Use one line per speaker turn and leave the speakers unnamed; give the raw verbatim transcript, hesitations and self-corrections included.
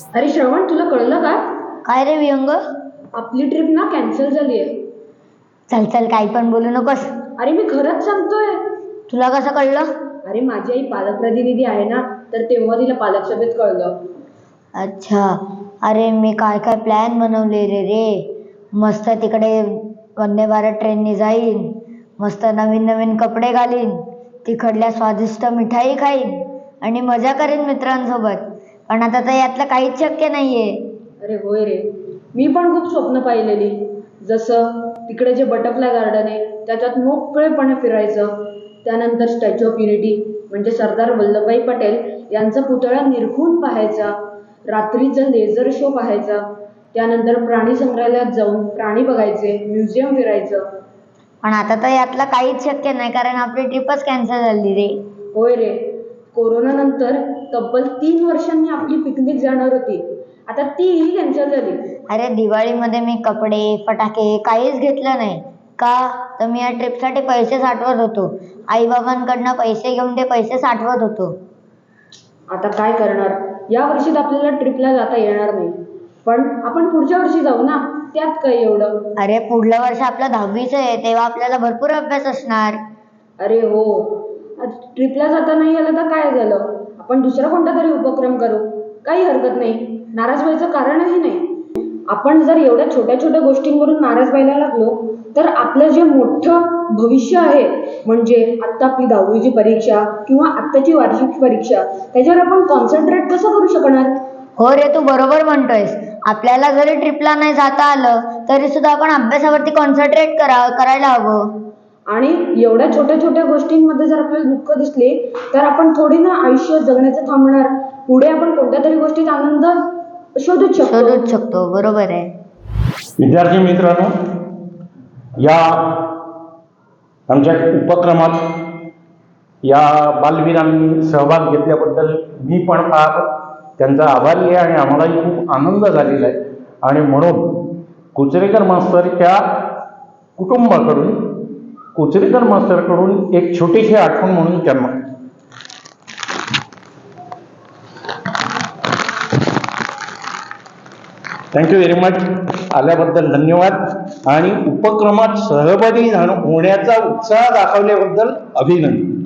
अरे श्रवण, तुला कळलं का?
काय रे विहंग?
आपली ट्रिप ना कॅन्सल झाली आहे.
चल चल, काही पण बोलू नकोस.
अरे मी खरंच सांगतोय.
तुला कसं कळलं?
अरे माझी आई पालक प्रतिनिधी आहे ना, तर तेव्हा तिला पालक सभेत कळलं.
अच्छा. अरे मी काय काय प्लॅन बनवले रे रे मस्त तिकडे वंदे भारत ट्रेनने जाईन, मस्त नवीन नवीन कपडे घालीन, तिकडल्या स्वादिष्ट मिठाई खाईन आणि मजा करेन मित्रांसोबत. पण आता तर यातलं काहीच शक्य नाहीये.
अरे होय रे, मी पण खूप स्वप्न पाहिलेली. जसं तिकडे जे बटरफ्लाय गार्डन आहे त्याच्यात मोकळेपणे फिरायचं, त्यानंतर स्टॅच्यू ऑफ युनिटी म्हणजे सरदार वल्लभभाई पटेल यांचा पुतळा निरखून पाहायचा, रात्रीचा लेझर शो पाहायचा, त्यानंतर प्राणी संग्रहालयात जाऊन प्राणी बघायचे, म्युझियम फिरायचं.
पण आता तर यातलं काहीच शक्य नाही, कारण आपली ट्रिपच कॅन्सल झाली रे.
होय रे, कोरोना नंतर तब्बल तीन वर्षांनी आपली पिकनिक जाणार होती, आता तीही कॅन्सल झाली.
अरे दिवाळीमध्ये मी कपडे फटाके काहीच घेतलं नाही. का? तर मी या ट्रिपसाठी पैसे साठवत होतो. आईबाबांकडनं पैसे घेऊन ते पैसे साठवत होतो.
आता काय करणार, या वर्षीत आपल्याला ट्रिपला जाता येणार नाही, पण आपण पुढच्या वर्षी जाऊ ना, त्यात काय एवढं.
अरे पुढलं वर्ष आपलं दहावीचं आहे, तेव्हा आपल्याला भरपूर अभ्यास असणार.
अरे हो, आज ट्रिपला जाता नाही आलं तर काय झालं, आपण दुसरा कोणता तरी उपक्रम करू, काही हरकत नाही, नाराज व्हायचं कारणही नाही. आपण जर एवढ्या छोट्या छोट्या गोष्टींवरून नाराज व्हायला लागलो तर आपलं जे मोठं भविष्य आहे, म्हणजे आत्ता आपली दहावीची परीक्षा किंवा आत्ताची वार्षिक परीक्षा, त्याच्यावर आपण कॉन्सन्ट्रेट कसं करू शकणार.
हो रे, तू बरोबर म्हणतोयस. आपल्याला जरी ट्रिपला नाही जाता आलं तरी सुद्धा आपण अभ्यासावरती कॉन्सन्ट्रेट करा करायला हवं.
आणि एवढ्या छोट्या छोट्या गोष्टींमध्ये जर आपल्याला दुःख दिसले तर आपण थोडी ना आयुष्य जगण्याचं थांबणार, पुढे आपण कोणत्या तरी गोष्टीत आनंद शोधूच शकतो
शोधूच शकतो बरोबर आहे.
विद्यार्थी मित्रांनो, या आमच्या उपक्रमात या बालवीरांनी सहभाग घेतल्याबद्दल मी पण फार त्यांचा आभारी आहे आणि आम्हालाही खूप आनंद झालेला आहे. आणि म्हणून कुचरेकर मास्तरच्या कुटुंबाकडून कुचरेकर मास्तरकडून एक छोटीशी आठवण म्हणून त्यांना थँक्यू व्हेरी मच. आल्याबद्दल धन्यवाद आणि उपक्रमात सहभागी होण्याचा उत्साह दाखवल्याबद्दल अभिनंदन.